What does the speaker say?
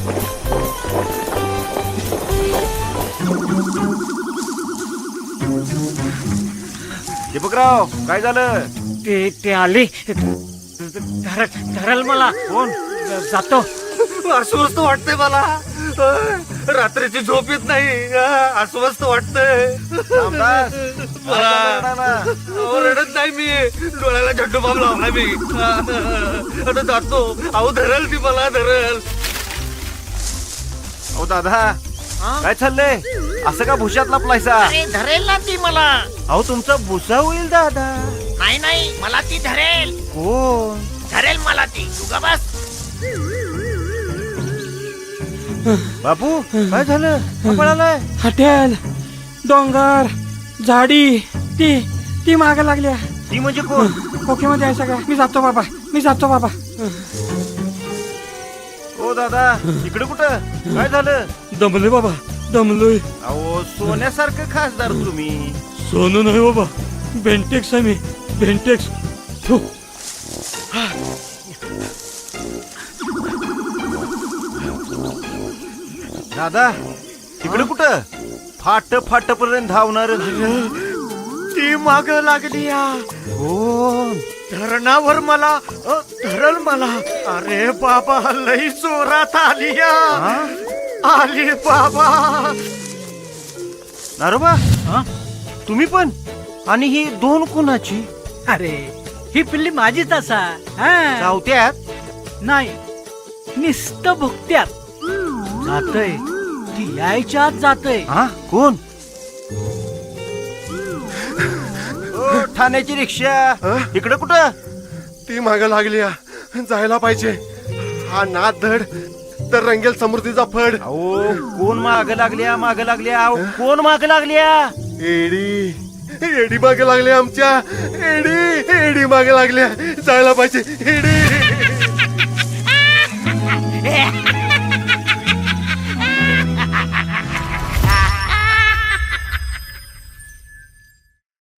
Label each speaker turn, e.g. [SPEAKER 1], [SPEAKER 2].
[SPEAKER 1] दीपकराव काय झालं?
[SPEAKER 2] ते आले धरल मला.
[SPEAKER 1] कोण?
[SPEAKER 2] जातो.
[SPEAKER 3] अस्वस्थ वाटतंय मला. रात्रीची झोप येत नाही. अस्वस्थ वाटतंय.
[SPEAKER 1] रामदास,
[SPEAKER 3] मला
[SPEAKER 1] काय झालं रडायला?
[SPEAKER 3] रडत नाही मी. डोळ्याला झड्डू बाब लावला मी. आता जातो. अहो धरल ती मला धरल.
[SPEAKER 1] अहो दादा काय चाललंय? असं का भुशात लपलायसा?
[SPEAKER 2] अरे धरेल ना ती मला.
[SPEAKER 1] अहो तुमचा भुसा होईल दादा.
[SPEAKER 2] नाही नाही मला ती धरेल.
[SPEAKER 1] कोण?
[SPEAKER 2] धरेल मला ती. तू ग बस.
[SPEAKER 1] बापू काय झालं? का पळालाय?
[SPEAKER 4] हॉटेल, डोंगर, झाडी ती माग लागल्या.
[SPEAKER 1] ती म्हणजे कोण?
[SPEAKER 4] ओके मध्ये आहे सगळं. मी जातो बाबा.
[SPEAKER 1] ओ दादा इकडे कुठं? काय झालं?
[SPEAKER 4] दमलोय बाबा, दमलोय.
[SPEAKER 1] अहो सोन्यासारखं खासदार तुम्ही.
[SPEAKER 4] सोनू नाही बाबा, बेंटेक्स आहे मी. बेंटेक्स. थू.
[SPEAKER 1] दादा तिकडे कुठं? फाट पर्यंत धावणार.
[SPEAKER 2] ती माग लागली.
[SPEAKER 1] कोण?
[SPEAKER 2] धरणावर मला धरल मला. अरे बाबा लई जोरात आली आली बाबा.
[SPEAKER 1] नारोबा तुम्ही पण? आणि ही दोन कुणाची?
[SPEAKER 5] अरे ही पिल्ली माझीच असा.
[SPEAKER 1] चावत्यात?
[SPEAKER 5] नाही निस्त भुकत्यात. जातय ती यायच्या आत जातय.
[SPEAKER 1] हा कोण? ओ, ठाण्याची रिक्षा इकडे कुठं?
[SPEAKER 3] ती माग लागली. जायला पाहिजे. हा नाद धड तर रंगेल समृद्धीचा फड.
[SPEAKER 1] अहो कोण माग लागल्या? अहो कोण माग लागल्या?
[SPEAKER 3] एडी मागे लागले आमच्या. एडी मागे लागल्या. जायला पाहिजे. एडी